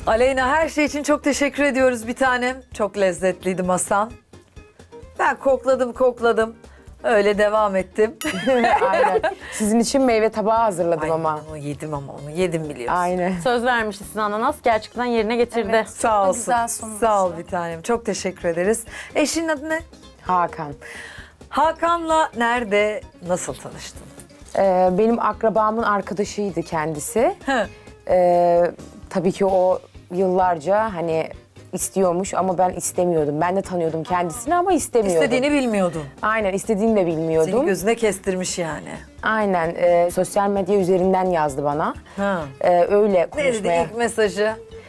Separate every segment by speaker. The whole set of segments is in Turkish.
Speaker 1: Aleyna, her şey için çok teşekkür ediyoruz bir tanem. Çok lezzetliydi masan. Ben kokladım. Öyle devam ettim.
Speaker 2: Aynen. Sizin için meyve tabağı hazırladım
Speaker 1: Ay,
Speaker 2: ama.
Speaker 1: onu yedim biliyorsun.
Speaker 2: Aynen.
Speaker 3: Söz vermişti size ananas. Gerçekten yerine getirdi.
Speaker 4: Evet.
Speaker 1: Sağ
Speaker 4: Çok
Speaker 1: olsun.
Speaker 4: güzel sunmuş.
Speaker 1: Sağ ol bir tanem. Çok teşekkür ederiz. Eşinin adı ne?
Speaker 2: Hakan.
Speaker 1: Hakan'la nerede, nasıl tanıştın?
Speaker 2: Benim akrabamın arkadaşıydı kendisi.
Speaker 1: Hı.
Speaker 2: Tabii ki o yıllarca hani istiyormuş ama ben istemiyordum. Ben de tanıyordum kendisini ama istemiyordum.
Speaker 1: İstediğini bilmiyordun.
Speaker 2: Aynen, istediğini de bilmiyordum.
Speaker 1: Seni gözüne kestirmiş yani.
Speaker 2: Aynen, sosyal medya üzerinden yazdı bana.
Speaker 1: Ha.
Speaker 2: Öyle
Speaker 1: Ne dedi
Speaker 2: konuşmaya.
Speaker 1: ilk mesajı?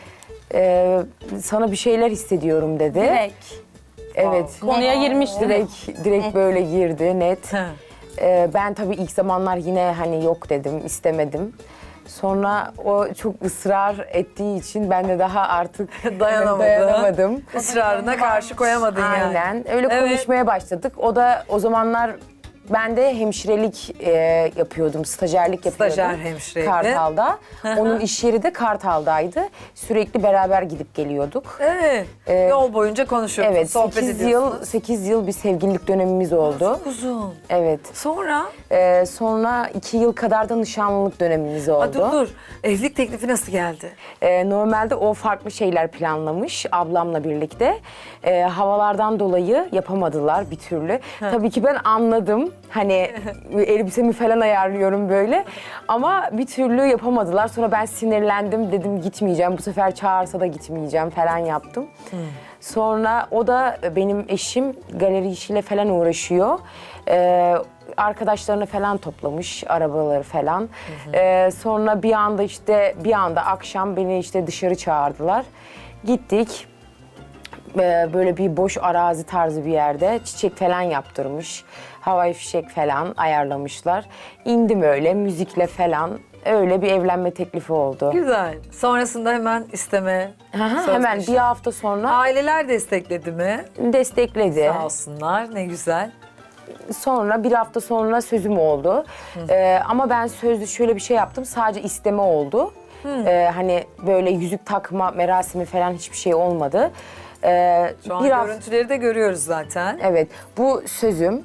Speaker 2: Sana bir şeyler hissediyorum dedi.
Speaker 4: Direkt.
Speaker 2: Evet.
Speaker 3: Konuya girmiş direkt.
Speaker 2: Direkt böyle girdi, net.
Speaker 1: Ha.
Speaker 2: Ben tabii ilk zamanlar yine hani yok dedim, istemedim. Sonra o çok ısrar ettiği için ben de daha artık dayanamadım.
Speaker 1: Israrına karşı koyamadın yani.
Speaker 2: Aynen. Öyle
Speaker 1: Evet.
Speaker 2: konuşmaya başladık. O da o zamanlar ben de hemşirelik yapıyordum, stajyerlik yapıyordum.
Speaker 1: Stajyer hemşireydi.
Speaker 2: Kartal'da. Onun iş yeri de Kartal'daydı. Sürekli beraber gidip geliyorduk.
Speaker 1: Evet. Yol boyunca konuşuyorsun,
Speaker 2: Evet,
Speaker 1: sohbet
Speaker 2: 8
Speaker 1: ediyorsunuz.
Speaker 2: yıl 8 yıl bir sevgililik dönemimiz oldu.
Speaker 1: Uzun.
Speaker 2: Evet.
Speaker 1: Sonra?
Speaker 2: Sonra 2 yıl kadar da nişanlılık dönemimiz oldu.
Speaker 1: Dur. Evlilik teklifi nasıl geldi?
Speaker 2: Normalde o farklı şeyler planlamış ablamla birlikte. Havalardan dolayı yapamadılar bir türlü. Tabii ki ben anladım. Hani elbisemi falan ayarlıyorum böyle. Ama bir türlü yapamadılar. Sonra ben sinirlendim. Dedim gitmeyeceğim. Bu sefer çağırsa da gitmeyeceğim falan yaptım. Sonra o da benim eşim galeri işiyle falan uğraşıyor. Arkadaşlarını falan toplamış, arabaları falan. Sonra bir anda akşam beni işte dışarı çağırdılar. Gittik. Böyle bir boş arazi tarzı bir yerde çiçek falan yaptırmış. Havai fişek falan ayarlamışlar. İndim öyle müzikle falan. Öyle bir evlenme teklifi oldu.
Speaker 1: Güzel. Sonrasında hemen isteme. söz
Speaker 2: Hemen
Speaker 1: nişan.
Speaker 2: bir hafta sonra
Speaker 1: Aileler destekledi mi?
Speaker 2: destekledi.
Speaker 1: Sağ olsunlar. Ne güzel.
Speaker 2: Sonra bir hafta sonra sözüm oldu. Ama ben sözlü şöyle bir şey yaptım. Sadece isteme oldu. Hani böyle yüzük takma merasimi falan hiçbir şey olmadı.
Speaker 1: Şu an görüntüleri de görüyoruz zaten.
Speaker 2: Evet, bu sözüm.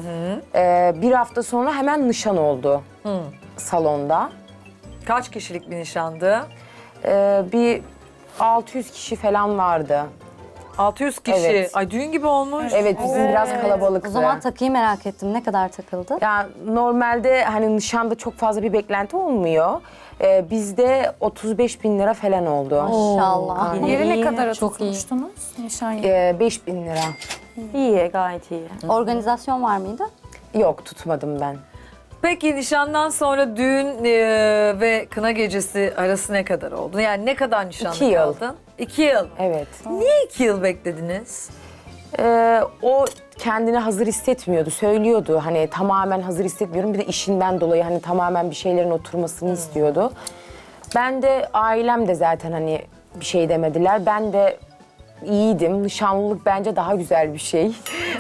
Speaker 2: Bir hafta sonra hemen nişan oldu salonda.
Speaker 1: Kaç kişilik bir nişandı?
Speaker 2: Bir 600 kişi falan vardı.
Speaker 1: 600 kişi.
Speaker 2: Evet.
Speaker 1: Ay düğün gibi olmuş.
Speaker 2: Evet, bizim biraz kalabalıktı.
Speaker 5: O zaman takıyı merak ettim. Ne kadar takıldı?
Speaker 2: Ya normalde hani nişanda çok fazla bir beklenti olmuyor. Bizde 35 bin lira falan oldu.
Speaker 5: Maşallah.
Speaker 2: Aynen.
Speaker 4: Yeri ne
Speaker 3: İyi,
Speaker 4: kadar
Speaker 3: çok iyi.
Speaker 4: tutmuştunuz? Nişan yeri.
Speaker 2: 5 bin lira.
Speaker 3: İyi, gayet iyi.
Speaker 5: Organizasyon var mıydı?
Speaker 2: Yok, tutmadım ben.
Speaker 1: Peki nişandan sonra düğün ve kına gecesi arası ne kadar oldu? Yani ne kadar nişanlı
Speaker 2: 2 yıl.
Speaker 1: kaldın? 2 yıl.
Speaker 2: Evet.
Speaker 1: Niye 2 yıl beklediniz?
Speaker 2: O kendini hazır hissetmiyordu, söylüyordu. Hani tamamen hazır hissetmiyorum. Bir de işinden dolayı hani tamamen bir şeylerin oturmasını istiyordu. Ben de ailem de zaten hani bir şey demediler. Ben de iyiydim. Nişanlılık bence daha güzel bir şey.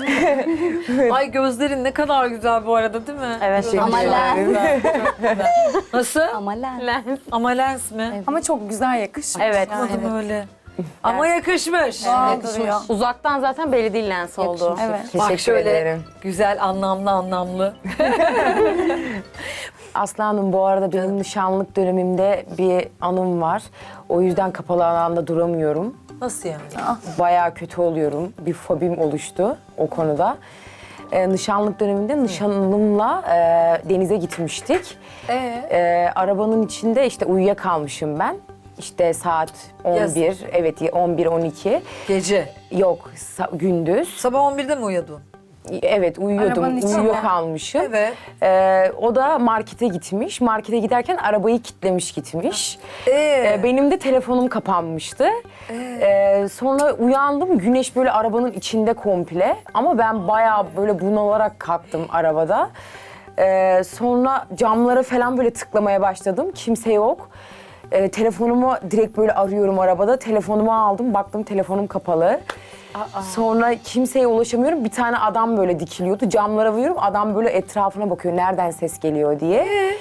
Speaker 1: Ay gözlerin ne kadar güzel bu arada değil mi?
Speaker 3: Evet.
Speaker 5: Ama lens.
Speaker 1: Nasıl?
Speaker 5: Ama lens.
Speaker 3: Lens.
Speaker 1: Ama lens mi?
Speaker 4: Ama çok güzel yakışmış.
Speaker 3: Evet.
Speaker 4: Yani.
Speaker 1: Anladım öyle. Ama yakışmış.
Speaker 4: Doğal duruyor.
Speaker 3: Uzaktan zaten belli değil lens oldu.
Speaker 4: Evet.
Speaker 1: Bak
Speaker 2: Teşekkür
Speaker 1: şöyle
Speaker 2: ederim.
Speaker 1: güzel anlamlı.
Speaker 2: Aslı Hanım, bu arada benim nişanlık dönemimde bir anım var. O yüzden kapalı alanda duramıyorum.
Speaker 1: Nasıl yani?
Speaker 2: Bayağı kötü oluyorum. Bir fobim oluştu o konuda. Nişanlık döneminde nişanlımla denize gitmiştik. Arabanın içinde işte uyuyakalmışım ben. İşte saat 11,
Speaker 1: Yazın.
Speaker 2: evet 11-12.
Speaker 1: Gece.
Speaker 2: Yok, gündüz.
Speaker 1: Sabah 11'de mi uyudun?
Speaker 2: Evet, uyuyordum,
Speaker 4: Arabanın içinde.
Speaker 2: uyuyakalmışım.
Speaker 1: Evet.
Speaker 2: O da markete gitmiş. Markete giderken arabayı kilitlemiş gitmiş.
Speaker 1: Ee?
Speaker 2: Benim de telefonum kapanmıştı. Sonra uyandım, güneş böyle arabanın içinde komple. Ama ben bayağı böyle bunalarak kalktım arabada. Sonra camlara falan böyle tıklamaya başladım. Kimse yok. Telefonumu direkt böyle arıyorum arabada. Telefonumu aldım, baktım telefonum kapalı. Sonra kimseye ulaşamıyorum. Bir tane adam böyle dikiliyordu. Camlara vuruyorum. Adam böyle etrafına bakıyor. Nereden ses geliyor diye.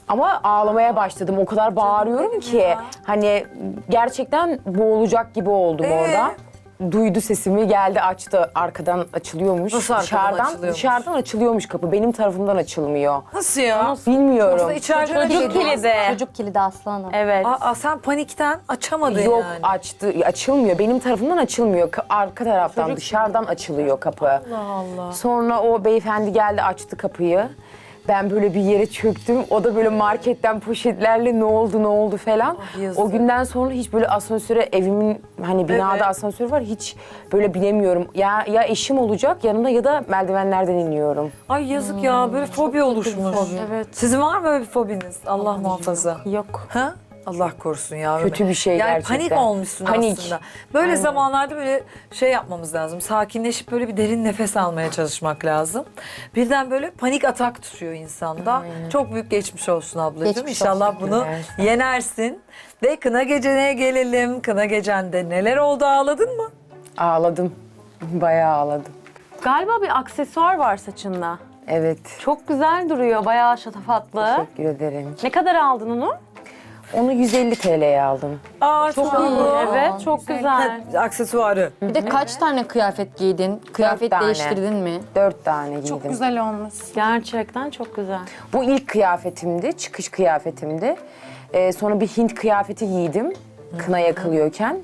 Speaker 2: Ama ağlamaya başladım. O kadar bağırıyorum ki hani gerçekten boğulacak gibi oldum orada. Duydu sesimi, geldi açtı. Arkadan açılıyormuş.
Speaker 1: Nasıl arkadan açılıyormuş?
Speaker 2: Dışarıdan açılıyormuş kapı. Benim tarafımdan açılmıyor.
Speaker 1: Nasıl ya?
Speaker 2: Bilmiyorum.
Speaker 1: Yoksa içeride öyle
Speaker 3: Çocuk
Speaker 1: değil mi?
Speaker 3: kilidi.
Speaker 5: Çocuk kilidi aslanım.
Speaker 3: Evet.
Speaker 1: Aa, sen panikten açamadın
Speaker 2: Yok
Speaker 1: yani.
Speaker 2: açtı, açılmıyor. Benim tarafımdan açılmıyor. Arka taraftan,
Speaker 3: Çocuk
Speaker 2: dışarıdan açılıyor kapı.
Speaker 1: Allah Allah.
Speaker 2: Sonra o beyefendi geldi açtı kapıyı. Ben böyle bir yere çöktüm. O da böyle marketten poşetlerle ne oldu falan.
Speaker 1: yazık.
Speaker 2: O günden sonra hiç böyle asansöre evimin hani binada
Speaker 1: Evet.
Speaker 2: asansör var hiç böyle binemiyorum. Ya eşim olacak yanımda ya da merdivenlerden iniyorum.
Speaker 1: Ay yazık ya böyle fobi oluşmuş. Evet. Sizin var mı böyle bir fobiniz? Allah muhafaza.
Speaker 3: Yok.
Speaker 1: Ha? Allah korusun ya.
Speaker 2: Kötü bir şey
Speaker 1: yani
Speaker 2: gerçekten.
Speaker 1: panik olmuşsun
Speaker 2: Panik.
Speaker 1: aslında. Böyle zamanlarda böyle şey yapmamız lazım. Sakinleşip böyle bir derin nefes almaya çalışmak lazım. Birden böyle panik atak tutuyor insanda. Çok büyük geçmiş olsun ablacığım.
Speaker 5: Geçmiş
Speaker 1: İnşallah
Speaker 5: olsun.
Speaker 1: bunu yenersin. Ve kına gecene gelelim. Kına gecende neler oldu, ağladın mı?
Speaker 2: Ağladım. Bayağı ağladım.
Speaker 3: Galiba bir aksesuar var saçında.
Speaker 2: Evet.
Speaker 3: Çok güzel duruyor. Bayağı şatafatlı.
Speaker 2: Teşekkür ederim.
Speaker 3: Ne kadar aldın onu?
Speaker 2: Onu 150 TL'ye aldım.
Speaker 1: Aa, çok iyi.
Speaker 3: Evet, çok güzel.
Speaker 1: Aksesuarı.
Speaker 6: Bir de kaç tane kıyafet giydin? Kıyafet
Speaker 2: tane.
Speaker 6: değiştirdin mi?
Speaker 2: 4 tane giydim.
Speaker 4: Çok güzel olmuş.
Speaker 3: Gerçekten çok güzel.
Speaker 2: Bu ilk kıyafetimdi, çıkış kıyafetimdi. Sonra bir Hint kıyafeti giydim kına yakılıyorken.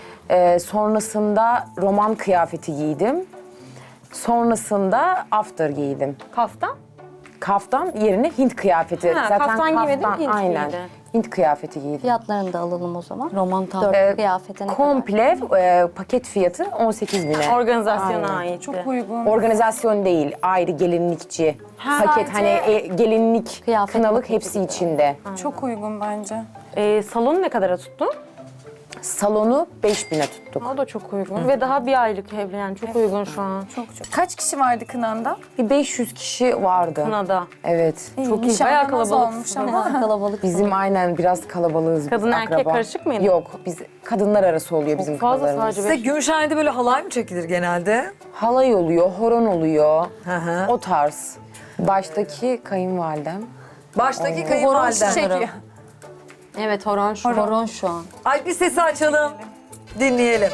Speaker 2: Sonrasında roman kıyafeti giydim. Sonrasında after giydim.
Speaker 3: Kaftan?
Speaker 2: Kaftan yerine Hint kıyafeti.
Speaker 3: Ha, kaftan giymedin, Hint
Speaker 2: aynen.
Speaker 3: giydi.
Speaker 2: Hint kıyafeti giydim.
Speaker 5: Fiyatlarını da alalım o zaman.
Speaker 6: Roman tam.
Speaker 5: 4 kıyafete ne kadar?
Speaker 2: Komple paket fiyatı 18.000'e.
Speaker 3: Organizasyona
Speaker 2: Aynen.
Speaker 3: ait.
Speaker 4: Çok uygun.
Speaker 2: Organizasyon değil, ayrı gelinlikçi. Paket hani gelinlik,
Speaker 5: Kıyafet
Speaker 2: kınalık
Speaker 5: paketi
Speaker 2: hepsi
Speaker 5: gibi.
Speaker 2: içinde.
Speaker 4: Çok uygun bence.
Speaker 3: Salonu ne kadara tuttun?
Speaker 2: Salonu 5.000'e tuttuk.
Speaker 3: O da çok uygun. Ve daha bir aylık evli yani çok uygun şu an.
Speaker 4: Çok. Kaç kişi vardı kınanda?
Speaker 2: Bir 500 kişi vardı.
Speaker 3: Kınada.
Speaker 2: Evet.
Speaker 3: Çok iyi.
Speaker 4: Nişanlı
Speaker 3: Bayağı
Speaker 4: nasıl
Speaker 3: kalabalık.
Speaker 4: olmuş ama.
Speaker 5: Kalabalık.
Speaker 2: Bizim aynen biraz kalabalığız. biz,
Speaker 3: Kadın erkek
Speaker 2: akraba.
Speaker 3: karışık mıydı?
Speaker 2: Yok, biz kadınlar arası oluyor bizim
Speaker 3: Fazla
Speaker 2: kınalarımız.
Speaker 3: sadece
Speaker 1: Size Gümüşhane'de böyle halay mı çekilir genelde?
Speaker 2: Halay oluyor, horon oluyor.
Speaker 1: Hı hı.
Speaker 2: O tarz. Baştaki kayınvalidem.
Speaker 1: Baştaki
Speaker 6: Horon
Speaker 1: kayınvaliden.
Speaker 6: çekiyor. Evet horon şu. Horon şu an.
Speaker 1: Ay bir sesi açalım. Dinleyelim.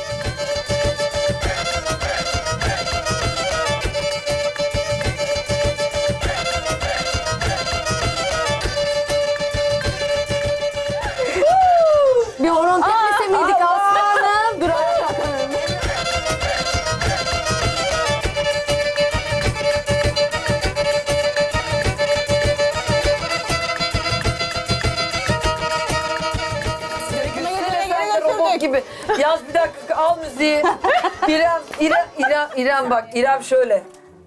Speaker 6: Bir horon tepmese miydik aslanım? Dur
Speaker 1: Robot gibi. Yaz bir dakika al müziği. İrem bak. İrem şöyle.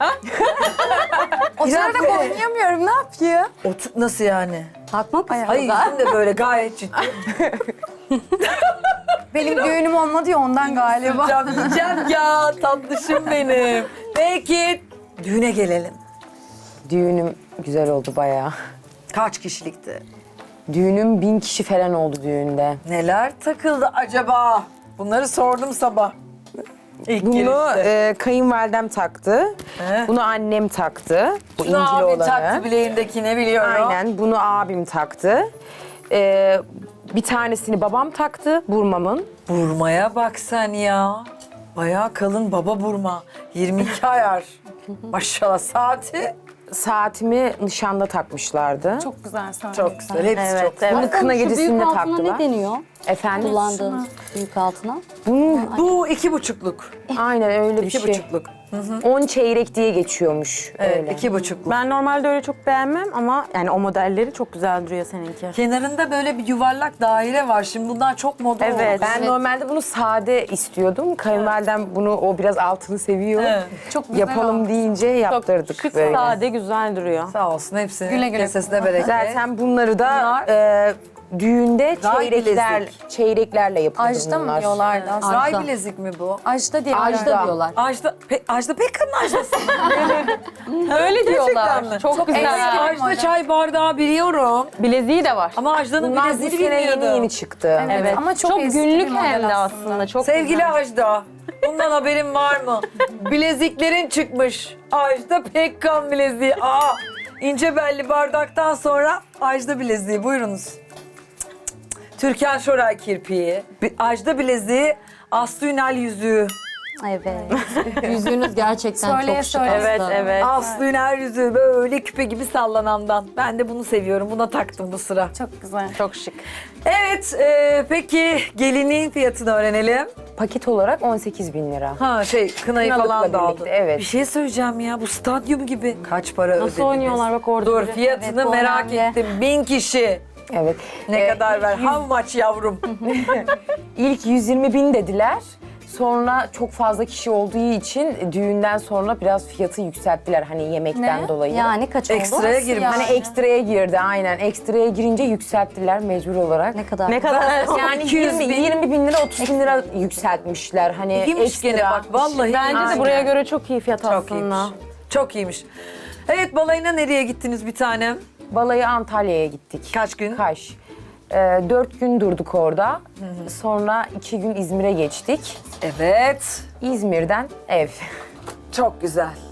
Speaker 4: Oturarak oynayamıyorum. Ne yapayım?
Speaker 1: Nasıl yani?
Speaker 5: Takmak mı?
Speaker 1: Hayır yüzün de böyle gayet ciddi.
Speaker 4: Benim düğünüm olmadı ya ondan galiba.
Speaker 1: Yiyeceğim ya tatlışım benim. Peki düğüne gelelim.
Speaker 2: Düğünüm güzel oldu bayağı.
Speaker 1: Kaç kişilikti?
Speaker 2: Düğünüm 1000 kişi falan oldu düğünde.
Speaker 1: Neler takıldı acaba? Bunları sordum sabah. İlk
Speaker 2: Bunu
Speaker 1: girişte.
Speaker 2: kayınvalidem taktı.
Speaker 1: He.
Speaker 2: Bunu annem taktı. Bu
Speaker 1: Bunu
Speaker 2: incili
Speaker 1: abi
Speaker 2: olanı.
Speaker 1: taktı bileğindekine biliyorum.
Speaker 2: Aynen. Bunu abim taktı. Bir tanesini babam taktı. Burmamın.
Speaker 1: Burmaya bak sen ya. Bayağı kalın baba burma. 22 ayar. Maşallah saati.
Speaker 2: Saatimi nişanda takmışlardı.
Speaker 4: Çok güzel sahne.
Speaker 1: Çok güzel. Hepsi çok güzel.
Speaker 2: Bunu kına
Speaker 5: Şu
Speaker 2: gecesinde
Speaker 5: büyük altına
Speaker 2: taktılar.
Speaker 5: ne deniyor?
Speaker 2: Efendim?
Speaker 5: Kullandığın büyük altına.
Speaker 2: Bunun
Speaker 1: Bu 2,5'luk.
Speaker 2: aynen öyle bir
Speaker 1: 2,5'luk.
Speaker 2: şey. 10 çeyrek diye geçiyormuş.
Speaker 1: Evet,
Speaker 2: öyle.
Speaker 1: 2,5'luk.
Speaker 3: Ben normalde öyle çok beğenmem ama yani o modelleri çok güzel duruyor seninki.
Speaker 1: Kenarında böyle bir yuvarlak daire var. Şimdi bundan çok moda oldu.
Speaker 3: Evet.
Speaker 2: Ben normalde bunu sade istiyordum. Kayınvalidem bunu o biraz altını seviyor.
Speaker 1: Evet.
Speaker 4: Çok güzel
Speaker 2: Yapalım
Speaker 4: olmuş.
Speaker 2: deyince yaptırdık
Speaker 3: Şık,
Speaker 2: böyle.
Speaker 3: sade, güzel duruyor.
Speaker 1: Sağ olsun hepsinin
Speaker 4: Güle güle
Speaker 1: kesesine bereket.
Speaker 2: Zaten bunları da
Speaker 1: Bunlar-
Speaker 2: düğünde
Speaker 1: Ray
Speaker 2: çeyreklerle yapıldı
Speaker 4: Ajda
Speaker 2: bunlar.
Speaker 4: mı diyorlardı aslında?
Speaker 1: Ray bilezik mi bu?
Speaker 4: Ajda diye.
Speaker 6: Ajda diyorlar.
Speaker 1: Ajda Pekkan'ın Ajda'sı.
Speaker 3: Öyle
Speaker 1: Gerçekten mi?
Speaker 3: Çok güzel.
Speaker 4: eski.
Speaker 1: Ajda çay bardağı biliyorum.
Speaker 3: Bileziği de var.
Speaker 1: Ama Ajda'nın
Speaker 2: Bunlar bu
Speaker 1: bileziğini
Speaker 2: sene
Speaker 1: bilmiyordum.
Speaker 2: yeni çıktı.
Speaker 3: Evet.
Speaker 4: Ama çok eski
Speaker 3: günlük
Speaker 4: bir model
Speaker 3: hem de
Speaker 4: aslında.
Speaker 3: aslında. Çok
Speaker 1: Sevgili
Speaker 3: güzel.
Speaker 1: Ajda, bundan haberin var mı? Bileziklerin çıkmış. Ajda Pekkan bileziği. Aa, ince belli bardaktan sonra Ajda bileziği. Buyurunuz. Türkan Şoray kirpiği. Ajda bileziği, Aslı Ünal yüzüğü.
Speaker 5: Evet.
Speaker 6: Yüzüğünüz gerçekten
Speaker 4: Söyleye
Speaker 6: çok şık
Speaker 4: söyleye.
Speaker 6: aslında.
Speaker 3: Evet, evet.
Speaker 1: Aslı Ünal yüzüğü böyle küpe gibi sallanandan. Ben de bunu seviyorum. Buna taktım bu sıra.
Speaker 4: Çok güzel.
Speaker 2: Çok şık.
Speaker 1: Evet, peki gelinliğin fiyatını öğrenelim.
Speaker 2: Paket olarak 18.000 lira.
Speaker 1: Ha kınayı
Speaker 2: Kınalıkla
Speaker 1: falan da aldın.
Speaker 2: birlikte, evet.
Speaker 1: Bir şey söyleyeceğim ya, bu stadyum gibi. Kaç para ödediniz?
Speaker 3: Nasıl oynuyorlar bak orada
Speaker 1: Dur,
Speaker 3: biri.
Speaker 1: fiyatını
Speaker 5: Evet, bu
Speaker 1: merak
Speaker 5: önemli.
Speaker 1: ettim. 1000 kişi.
Speaker 2: Evet.
Speaker 1: Ne kadar ver? How much yavrum?
Speaker 2: İlk 120.000 dediler. Sonra çok fazla kişi olduğu için düğünden sonra biraz fiyatı yükselttiler hani yemekten
Speaker 4: Ne?
Speaker 2: dolayı.
Speaker 5: Yani kaç oldu?
Speaker 1: Ekstraya girmiş.
Speaker 2: Hani ekstraya girdi aynen. Ekstraya girince yükselttiler mecbur olarak.
Speaker 5: Ne kadar?
Speaker 3: Ne kadar?
Speaker 2: Yani
Speaker 1: 200 bin.
Speaker 2: 20 bin lira 30 bin lira yükseltmişler. Hani
Speaker 1: İyiymiş
Speaker 2: ekstra.
Speaker 1: gene bak, vallahi
Speaker 3: Bence
Speaker 1: iyiymiş.
Speaker 3: de buraya göre çok iyi fiyat
Speaker 1: Çok
Speaker 3: aslında.
Speaker 1: iyiymiş. Çok iyiymiş. Evet, balayına nereye gittiniz bir tanem?
Speaker 2: Balayı Antalya'ya gittik.
Speaker 1: Kaç gün?
Speaker 2: Kaş. 4 gün durduk orada. Sonra 2 gün İzmir'e geçtik.
Speaker 1: Evet.
Speaker 2: İzmir'den ev.
Speaker 1: Çok güzel.